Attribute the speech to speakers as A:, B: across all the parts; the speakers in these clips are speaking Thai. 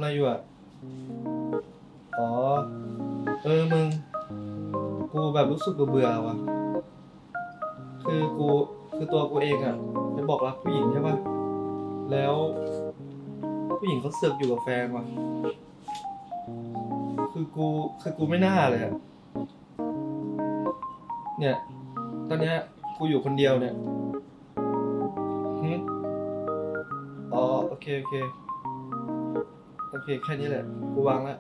A: อะไรอยู่อ่ะอ๋อมึงกูแบบรู้สึกเบื่อว่ะคือตัวกูเองอ่ะไปบอกรักผู้หญิงใช่ป่ะแล้วผู้หญิงเขาเสือกอยู่กับแฟนว่ะคือกูไม่น่าเลยอ่ะเนี่ยตอนเนี้ยกูอยู่คนเดียวเนี่ยหึอ๋อโอเคแค่นี้แหละกูวางแล้ว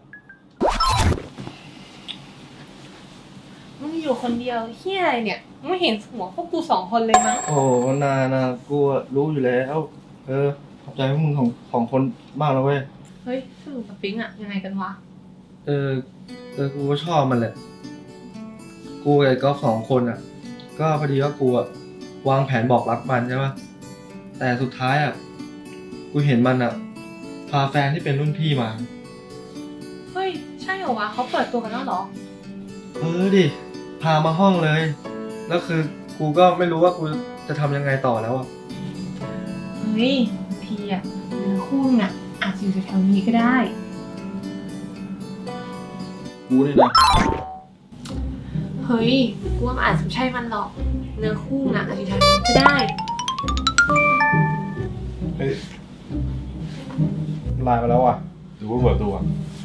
B: มึงอยู่คนเดียวเฮียอะไรเนี่ยมึงไม่เห็นหัวพวกกู2 คนเลยมั้ง
A: โอ้นากูอะรู้อยู่แล้วขอบใจพวกมึงของคนมากแล้วเว้ย
B: เฮ้ยสรุปกับปิ๊งอะยังไงกันวะ
A: เออกูก็ชอบมันแหละกูกับไอ้ก๊อฟ2 คนอ่ะก็พอดีว่ากูอะวางแผนบอกรักมันใช่ปะแต่สุดท้ายอ่ะกูเห็นมันอ่ะพาแฟนที่เป็นรุ่นพี่มา
B: เฮ้ยใช่เหรอวะเขาเปิดตัวกันแล้วเหรอ
A: ดิพามาห้องเลยแล้วคือกูก็ไม่รู้ว่ากูจะทำยังไงต่อแล้วอ่ะ
B: เฮ้ยบางทีอะเนื้อคู่น่ะอาจจะอยู่แถวๆนี้ก็ได้
A: กูนี่นะ
B: เฮ้ยกูว่ามันอาจจะไม่ใช่มันหรอกเนื้อคู่น่ะอาจจะอยู่แถวนี้ก็ได้
A: เฮ้ยไลน์มาแล้วอ่ะหรือว่าเปิดตัว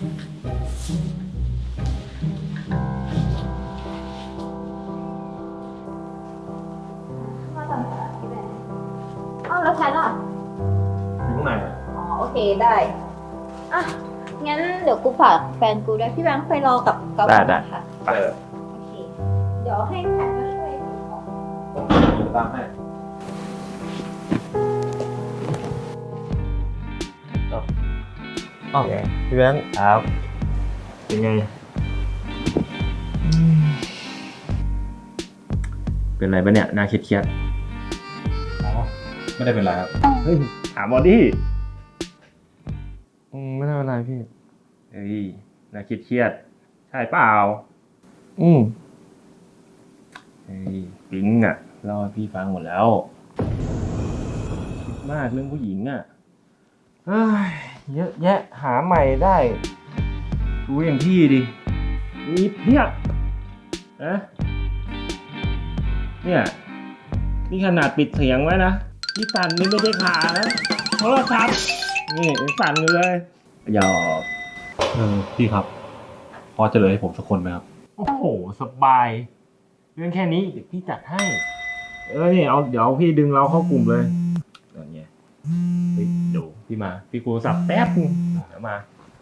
C: อ้าวแล้วแพทล่ะ
A: อยู่ข้างในอ่ะ
C: อ๋อโอเคได้อ่ะงั้นเดี๋ยวกูฝากแฟนกูด้วยพี่แบงค์ไปรอกับก๊อฟก่อนนะคะโอเคเดี๋ยวให้แพทมาช่วยถือของ
A: ตามให้อ๋อพี่แบงค์ครับเป็นไง
D: เป็นไรปะเนี่ยน่าเครียด
A: อ๋อไม่ได้เป็นไรครับ
D: ๆเฮ้ยถามบอดี้
A: ไม่ได้เป็นไรพี่
D: เฮ้ยน่าเครียดใช่เปล่าเฮ้ยปิ๊งอ่ะเล่าให้พี่ฟังหมดแล้วคิดมากเรื่องผู้หญิงอ่ะเฮ้ยเยอะแยะหาใหม่ได้ดูอย่างพี่ดิมีเพียบนะเนี่ยนี่ขนาดปิดเสียงไว้นะที่สั่นนี่ไม่ได้ขานะโทรศัพท์นี่ยังสั่นอยู่เลยหยอก
E: พี่ครับพอจะเหลือให้ผมสักคนไหมครับ
D: โอ้โหสบายเรื่องแค่นี้เดี๋ยวพี่จัดให้นี่เดี๋ยวพี่ดึงเราเข้ากลุ่มเลยอย่างเงี้ยเฮ้ยเดี๋ยวพี่มาพี่กูสับแป๊บนึงเดี๋ยวมา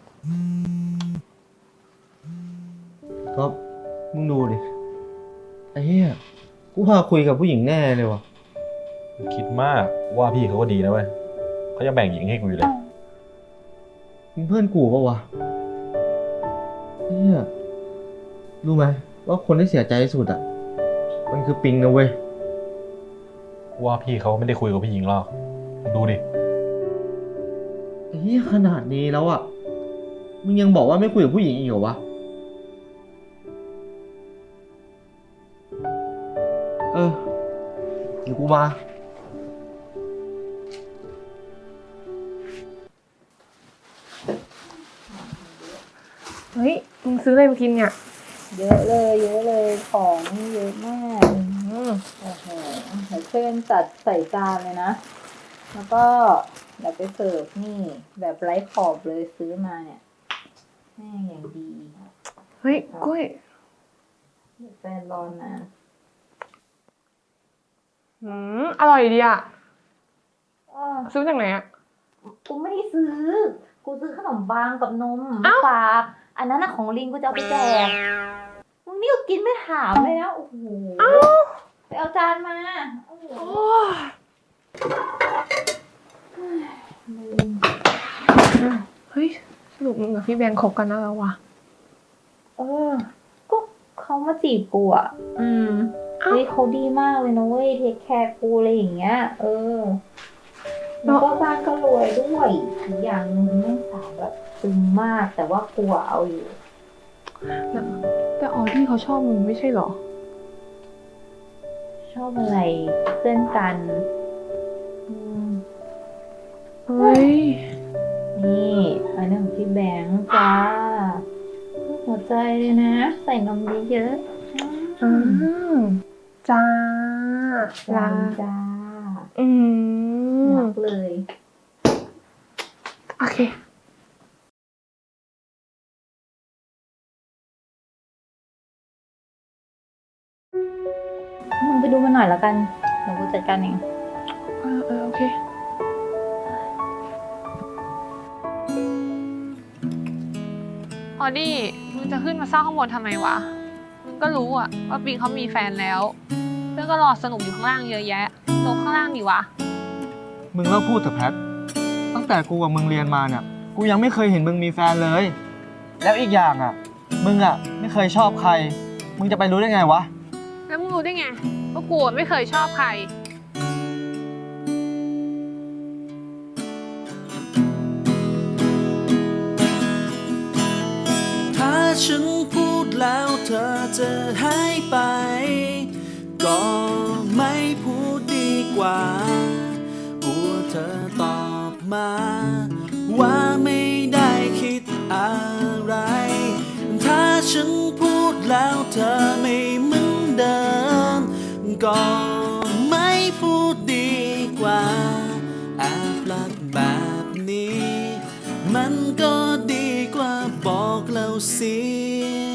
A: ก็มึงดูดิไอ้เหี้ยกูพาคุยกับผู้หญิงแน่เลยวะ
E: คิดมากว่าพี่เขาก็ดีนะเว้ยเขายังแบ่งหญิงให้กูอยู่เลย
A: มึงเพื่อนกูปะวะเหี้ยรู้ไหมว่าคนที่เสียใจที่สุดอ่ะมันคือปิงนะเว้ย
E: ว่าพี่เขาไม่ได้คุยกับผู้หญิงหรอกดูดิ
A: ไอ้เหี้ยขนาดนี้แล้วอ่ะมึงยังบอกว่าไม่คุยกับผู้หญิงอีกเหรอวะเดี๋ยวกูมา
B: เฮ้ยมึงซื้ออะไรมากินเนี่ย
C: เยอะเลยของเยอะมากโอ้โหเดี๋ยวช่วยกันจัดใส่จานเลยนะแล้วก็เดี๋ยวไปเสิร์ฟนี่แบบไร้ขอบเลยซื้อมาเนี่ยแม่งอย่างดี
B: เฮ้ยกุ้ย
C: เดี๋ยวแฟนรอนาน
B: อร่อยดีอะ
C: อ้อ
B: ซื้อจากไหนอะ
C: กูไม่ได้ซื้อ กูซื้อขนมปังกับนม
B: อ้าว
C: ฝากอันนั้นน่ะของลิงกูจะเอาไปแจกมึงนี่ก็กินไม่ถามเลยนะโอ้โหไปเอาจานมาโอ้โห
B: เฮ้ยสรุปมึงกับพี่แบงค์คบกันแล้ววะ
C: ก็เขามาจีบกูอ่ะเฮ้ยเขาดีมากเลยนะเว้ยเทคแคร์กูอะไรอย่างเงี้ยแล้วก็บ้านก็รวยด้วยอีกอย่างนึงแม่งสาวแบบตึงมากแต่ว่ากูอะเอาอยู่
B: แต่ออที่เขาชอบมึงไม่ใช่เหรอ
C: ชอบอะไรเพื่อนกัน
B: เฮ้ย
C: นี่อันเรื่องของพี่แบงค์จ้าหัวใจเลยนะ ใส่นมเยอะๆ
B: จ้า
C: จ้าจ้า
B: อืม
C: รักเลย
B: โอเค
C: มึงไปดูมันหน่อยแล้วกันเดี๋ยวกูจัดการเอง
B: โอเค ออดี้มึงจะขึ้นมาเศร้าข้างบนทำไมวะ มึงก็รู้อะว่าปิงเขามีแฟนแล้ว เพื่อนก็รอสนุกอยู่ข้างล่างเยอะแยะ ลงข้างล่างดิวะ
A: มึงเลิกพูดเถอะแพท ตั้งแต่กูกับมึงเรียนมาเนี่ย กูยังไม่เคยเห็นมึงมีแฟนเลย แล้วอีกอย่างอ่ะ มึงอ่ะไม่เคยชอบใคร มึงจะไปรู้ได้ไงวะ
B: แล้วมึงรู้ได้ไงว่ากูไม่เคยชอบใคร
F: ถ้าฉันพูดแล้วเธอจะหายไป ก็ไม่พูดดีกว่ากลัวเธอตอบมา ว่าไม่ได้คิดอะไร ถ้าฉันพูดแล้วเธอไม่เหมือนเดิม ก็ไม่พูดดีกว่าแอบรักแบบนี้ มันก็ดีกว่าบอกเราเสีย